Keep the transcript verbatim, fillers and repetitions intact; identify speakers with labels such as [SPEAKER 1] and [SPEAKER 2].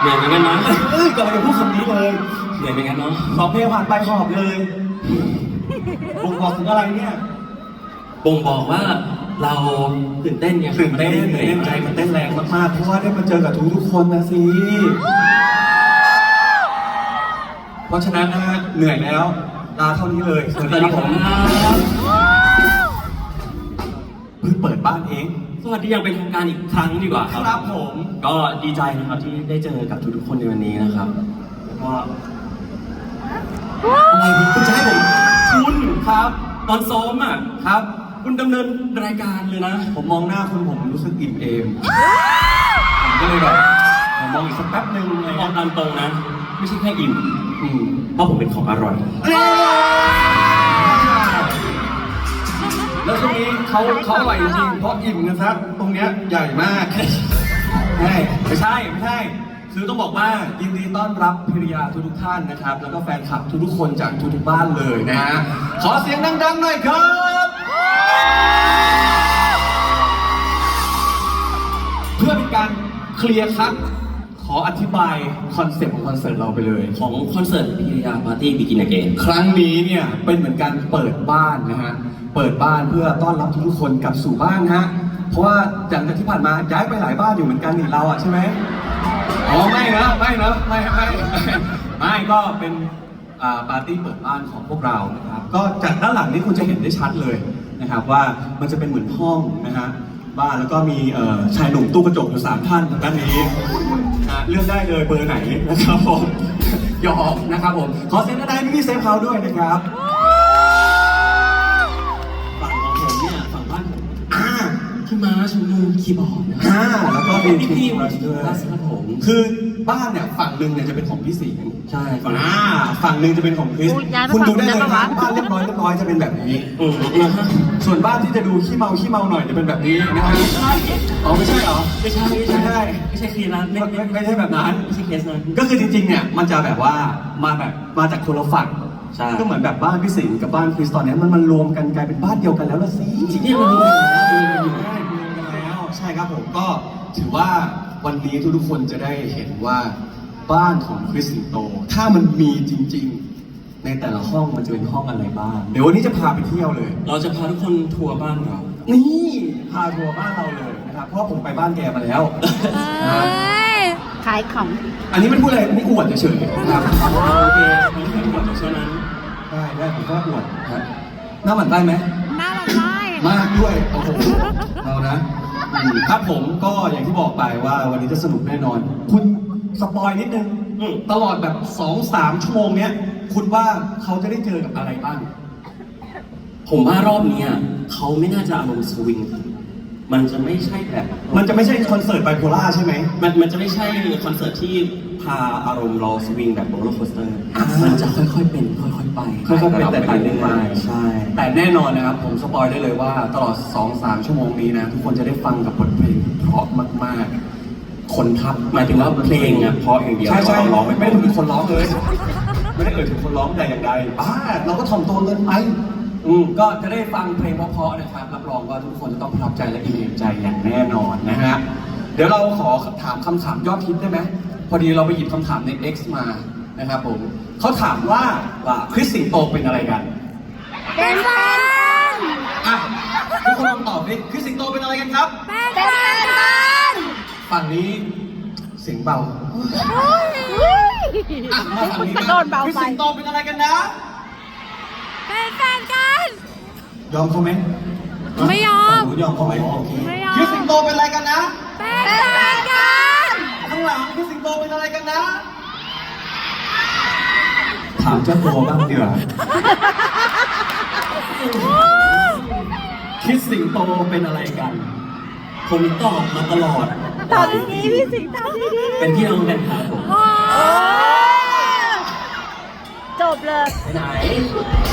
[SPEAKER 1] นื่อยเหมือนกันนะ
[SPEAKER 2] เอ้ยก่อนจะพูดคำนี้เลย
[SPEAKER 1] เหนื่อยเหมือนกันเนาะ
[SPEAKER 2] สอบเพลงผ่านไปหอบเลยบ่งบอกถึงอะไรเนี่ย
[SPEAKER 1] บ่งบอกว่าเราตื่นเต้นไง
[SPEAKER 2] ตื่นเต้นเหนื่อยใจมันเต้นแรงมากๆเพราะว่าได้มาเจอกับทุกทุกคนนะสิเพราะฉะนั้นนะฮะเหนื่อยแล้วลาเท่านี้เลย
[SPEAKER 1] สวัสดีครับผม
[SPEAKER 2] เพิ่งเปิดบ้านเอง
[SPEAKER 1] สวัสดีอย่างเป็นทางการอีกครั้งดีกว่าครับ
[SPEAKER 2] ครับผม
[SPEAKER 1] ก็ดีใจนะครับที่ได้เจอกับทุกๆคนในวันนี้นะครับก็อะไรคุณจะให้ผมคุณครับตอนซ้อมอ่ะ
[SPEAKER 2] ครับ
[SPEAKER 1] คุณดำเนินรายการเลยนะ
[SPEAKER 2] ผมมองหน้าคุณผมรู้สึกอิ่มเอมผมก็เลยแบบผมมองอีกสักแป๊บนึงเลย
[SPEAKER 1] มองตามตรงนะไม่ใช่แค่อิ่มอืมเพราะผมเป็นของอร่อย
[SPEAKER 2] แล้วตรงนี้เขาเขาอร่อยจริงเพราะอิ่มนะครับตรงเนี้ยใหญ่มากใช่ไม่ใช่ไม่ใช่คือต้องบอกว่ายินดีต้อนรับภริยาทุกๆท่านนะครับแล้วก็แฟนคลับทุกๆคนจากทุกๆบ้านเลยนะฮะขอเสียงดังๆหน่อยครับเพื่อเป็นการเคลียร์ครับขออธิบายคอนเซ็ปต์ของคอนเสิร์ตเราไปเลย
[SPEAKER 1] ของคอนเสิร์ตพิริยาปาร์ตี้บิกินอเกน
[SPEAKER 2] ครั้งนี้เนี่ยเป็นเหมือนการเปิดบ้านนะฮะเปิดบ้านเพื่อต้อนรับทุกๆคนกลับสู่บ้านฮะเพราะว่าจากที่ผ่านมาย้ายไปหลายบ้านอยู่เหมือนกันนี่เราอะใช่ไหมอ๋อไม่นะไม่นะไม่ไม่ไม่ก็เป็นปาร์ตี้เปิดบ้านของพวกเรานะครับก็จากด้านหลังนี้คุณจะเห็นได้ชัดเลยนะครับว่ามันจะเป็นเหมือนห้องนะฮะบ้านแล้วก็มีชายหนุ่มตู้กระจกอยู่สามท่านด้านนี้เลือกได้เลยเบอร์ไหนนะครับผมหยอกนะครับผมขอเซ็นได้ที่พี่เซฟเฮาส์ด้วยนะครับ
[SPEAKER 1] ฝั่งของผมเนี่ยฝั่งบ้านผมพี่ม้าชูมือคีย์บอร์ดนะ
[SPEAKER 2] แล้วก็
[SPEAKER 1] มีพี่พี่มาช่วยครับผม
[SPEAKER 2] คือบ้านเนี่ยฝั่งหนึ่งเนี่ยจะเป็นของพี่สิงห์
[SPEAKER 1] ใช่ฝั่ง
[SPEAKER 2] ฝั่งหนึ่งจะเป็นของคริสคุณดูได้เลยนะบ้านเรียบร้อยเรียบร้อยจะเป็นแบบนี้ส่วนบ้านที่จะดูขี้เมาขี้เมาหน่อยจะเป็นแบบนี้นะครับอ๋อไม่ใช่เหรอ
[SPEAKER 1] ไม่ใช่ไม่ใช่ไม่ใช่เคสนั้น
[SPEAKER 2] ไม่ไม่ใช่แบบนั้น
[SPEAKER 1] ไม่ใช่เคสนั้น
[SPEAKER 2] ก็คือจริงๆเนี่ยมันจะแบบว่ามาแบบมาจากคนละฝั่งก็เหมือนแบบบ้านพี่สิงห์กับบ้านคริสตอนนี้มันมันรวมกันกลายเป็นบ้านเดียวกันแล้วละสิ
[SPEAKER 1] จริงๆมันรวมกันอยู่
[SPEAKER 2] ได้รวมกันแล้วใช่ครับผมก็ถือว่าวันนี้ทุกๆคนจะได้เห็นว่าบ้านของคริสสิงโตถ้ามันมีจริงๆในแต่ละห้องมันจะเป็นห้องอะไรบ้างเดี๋ยววันนี้จะพาไปเที่ยวเลย
[SPEAKER 1] เราจะพาทุกคนทัวร์บ้านเรา
[SPEAKER 2] นี่พาทัวร์บ้านเราเลยนะครับเพราะผมไปบ้านแกมาแล้ว
[SPEAKER 3] ขายของ
[SPEAKER 2] อันนี้มันพูดอะไรไม่อวดเฉยๆนะครับ
[SPEAKER 1] โอเคไม่ใช่อวดเท่านั้น
[SPEAKER 2] ได้ได้ผมก็อวดครับหน้าหมันได้ไหม
[SPEAKER 3] หน้าหมันได้
[SPEAKER 2] มากด้วยโอ้โหเรานะครับผมก็อย่างที่บอกไปว่าวันนี้จะสนุกแน่นอนคุณสปอยนิดนึงตลอดแบบ สองสาม ชั่วโมงเนี้ยคุณว่าเขาจะได้เจอกับอะไรบ้าง
[SPEAKER 1] ผมว่ารอบนี้เขาไม่น่าจะอารมณ์สวิงมันจะไม่ใช่แบบ
[SPEAKER 2] มันจะไม่ใช่คอนเสิร์ตไบโพล่าใช่ไหม
[SPEAKER 1] มันมันจะไม่ใช่คอนเสิร์ตที่พาอารมณ์เราสวิงแบบโรลเลอร์โคสเตอร์มันจะค่อยๆเป็นค่อยๆไป
[SPEAKER 2] ค่อยๆเป็นแต่ไปเรื่อย
[SPEAKER 1] ๆใช่
[SPEAKER 2] แต่แน่นอนนะครับผมสปอยได้เลยว่าตลอด สองสาม ชั่วโมงนี้นะทุกคนจะได้ฟังกับบทเพลงเพราะมากๆคนทับ
[SPEAKER 1] หมายถึงว่าเพลงอ่ะเพราะอย่างเดียว
[SPEAKER 2] ใช่ใช่ร้องไม่ได้ถึงคนร้องเลยไม่ได้เอ่ยถึงคนร้องแต่อย่างใดบ้าเราก็ถ่อมตัวเกินไปอืมก็จะได้ฟังเพลงเพราะๆนะครับรับรองว่าทุกคนจะต้องประทับใจและอิ่มเอมใจอย่างแน่นอนนะฮะเดี๋ยวเราขอถามคำถามยอดฮิตได้ไหมพอดีเราไปหยิบคำถามใน X มานะครับผมเขาถามว่าว่าคริสสิงโตเป็นอะไรกัน
[SPEAKER 3] เป็นแฟน
[SPEAKER 2] อ่ะทุกคนลองตอบดิคริสสิงโตเป็นอะไรกันครับ
[SPEAKER 3] เป็นแฟนกัน
[SPEAKER 2] ฝั่งนี้เสียงเบาอ่ะมาฝั่งนี้นะคริสสิงโตเป็นอะไรกันนะ
[SPEAKER 3] เป็นแฟนกัน
[SPEAKER 2] ยอมเขาไหม
[SPEAKER 3] ไม่ยอม
[SPEAKER 2] ยอมเขาไหมโอเค
[SPEAKER 3] ไม่ยอม
[SPEAKER 2] คริสสิงโตเป็นอะไรกันนะ
[SPEAKER 3] เป็นแฟนกัน
[SPEAKER 2] ข้างหลังคริสสิงโตเป็นอะไรกันนะถามเจ้าตัวบ้างดีกว่าคริสสิงโตเป็นอะไรกัน
[SPEAKER 1] ผมตอบมาตลอด
[SPEAKER 3] ตอบอย่างนี้พี่สิงโต
[SPEAKER 1] เป็นพี่น้องกันครับผม
[SPEAKER 3] จบเลย
[SPEAKER 1] ไปไหน